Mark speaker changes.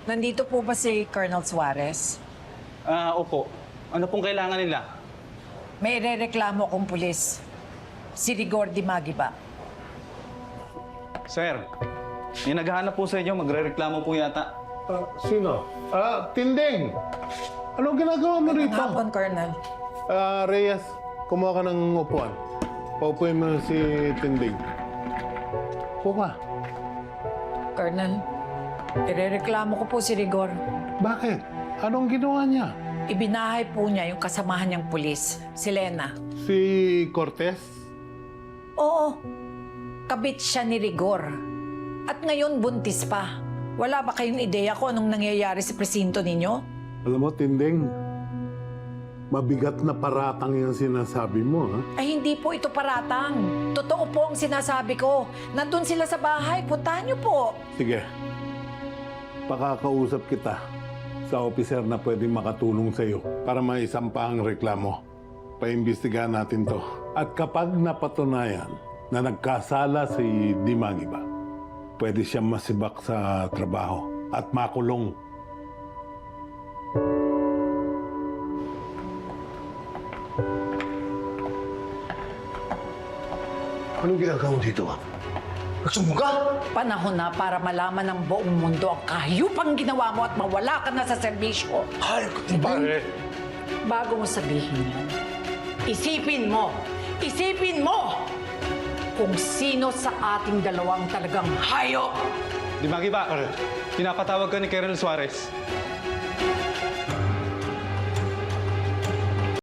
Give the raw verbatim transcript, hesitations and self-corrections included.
Speaker 1: Nandito po ba si Colonel Suarez?
Speaker 2: Ah, opo. Ano pong kailangan nila?
Speaker 1: May irereklamo akong pulis. Si Rigor Di Magiba.
Speaker 2: Sir, may naghahanap po sa inyo. Magre-reklamo po yata.
Speaker 3: Ah, sino? Ah, Tinding! Anong ginagawa mo rito?
Speaker 1: Magandang hapon, Colonel.
Speaker 3: Ah, Reyes, kumuha ka ng upuan. Paupuin mo si Tinding. Upo ka.
Speaker 1: Colonel, irereklamo ko po si Rigor.
Speaker 3: Bakit? Anong ginawa niya?
Speaker 1: Ibinahay po niya yung kasamahan niyang pulis, si Lena.
Speaker 3: Si Cortez?
Speaker 1: Oo, kabit siya ni Rigor. At ngayon buntis pa. Wala ba kayong ideya kung anong nangyayari sa presinto ninyo?
Speaker 3: Alam mo, Tinding, mabigat na paratang yung sinasabi mo, ha?
Speaker 1: Ay hindi po ito paratang. Totoo po ang sinasabi ko. Nandun sila sa bahay, puntahan niyo po.
Speaker 3: Sige. Pakakausap kita sa opiser na pwedeng makatulong sa'yo para maisampa ang reklamo. Paimbestigahan natin to. At kapag napatunayan na nagkasala si Dimagiba, pwede siyang masibak sa trabaho at makulong.
Speaker 4: Anong ginagawa mo dito? Nagsumbong ka?
Speaker 1: Panahon na para malaman ng buong mundo ang kahiyupang ginawa mo at mawala ka na sa serbisyo.
Speaker 4: Ay, pare.
Speaker 1: Bago mo sabihin yan, isipin mo, isipin mo kung sino sa ating dalawang talagang hayop.
Speaker 2: Di Magiba, pinapatawag ka ni Colonel Suarez.